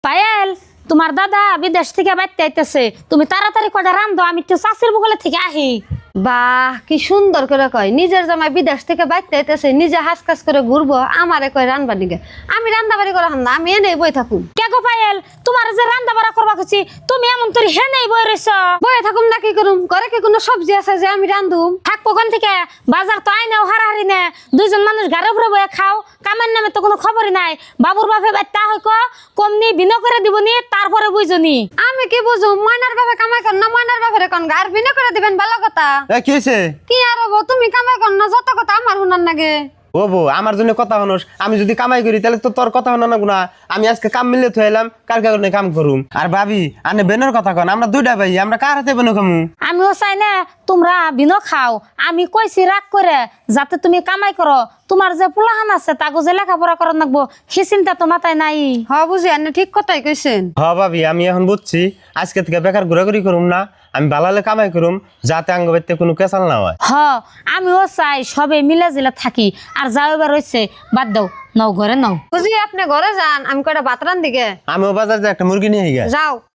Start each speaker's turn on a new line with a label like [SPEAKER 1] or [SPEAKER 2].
[SPEAKER 1] পায়েল, তোমার দাদা বিদেশ থেকে বাইতে আইতেছে, তুমি তাড়াতাড়ি কটা রান্ধো, আমি তো চাষির বগলে থেকে আহি।
[SPEAKER 2] বাহ, কি সুন্দর করে কয়, নিজের জামাই বিদেশ থেকে বাইতে আইতেছে, নিজে হাস কাজ করে ঘুরবো, আমারে কয় রান্না নিগে। আমি রান্না বাড়ি করা না, আমি এনেই বই থাকুম।
[SPEAKER 1] কে গো পায়েল, তোমার যে রান্না বাড়া করবা খুঁজি, তুমি এমন তোর হে নেই বই রইছ।
[SPEAKER 2] বয়ে থাকুম না, কি করুম? ঘরে কি কোনো সবজি আছে যে আমি রান্ধুম?
[SPEAKER 1] থাকবো কোন থেকে? বাজার তো আইনাও হারাহারি নে, দুইজন মানুষ ঘরে উপরে বয়ে খাও, কামের নামে তো কোনো খবরই নাই। বাবুর বাপে বাইতা হইক কমনি বিনো করে দিবনি, তারপরে বুঝনি।
[SPEAKER 2] আমি কি বুঝুম? ময়নার বাপে কামাই কর না, ময়নার বাপের কোন গার বিনা করে দিবেন, ভালো কথা।
[SPEAKER 3] কি হয়েছে?
[SPEAKER 2] কি আর হবো, তুমি কামাই কর না, যত কথা আমার শুনার নাগে।
[SPEAKER 3] ও বউ, আমার জন্য কথা হনোস। আমি যদি কামাই করি তাহলে তো তোর কথা হনো না গুনা। আমি আজকে কাম মিলে থইলাম, কালকে করে কাম করুম। আর ভাবি, আনে বেনের কথা কন, আমরা দুইটা ভাই, আমরা কার হাতে বেনো খামু?
[SPEAKER 1] আমিও চাই না তোমরা বিনো খাও। আমি কইছি রাগ করে যাতে তুমি কামাই করো, তোমার যে পোলাহান আছে তাকে যে লেখাপড়া করার লাগবো সে চিন্তা তো মাথায় নাই।
[SPEAKER 2] হ বুঝি, আপনি ঠিক কথাই কইছেন।
[SPEAKER 3] হ ভাবি, আমি এখন বুঝছি আজকে থেকে বেকার ঘোরাঘুরি করুম না, আমি বালালে কামাই করুম, যাতে আঙ্গ বাইতে কোনো কেসাল না হয়।
[SPEAKER 1] হ, আমিও চাই সবে মিলা জিলা থাকি। আর যাও এবার রয়েছে বাদ দাও, নাও ঘরে নাও।
[SPEAKER 2] বুঝি আপনি ঘরে যান, আমি কয়টা ভাত রান দিকে
[SPEAKER 3] আমিও বাজার যে একটা মুরগি নিয়ে গিয়ে
[SPEAKER 2] যাও।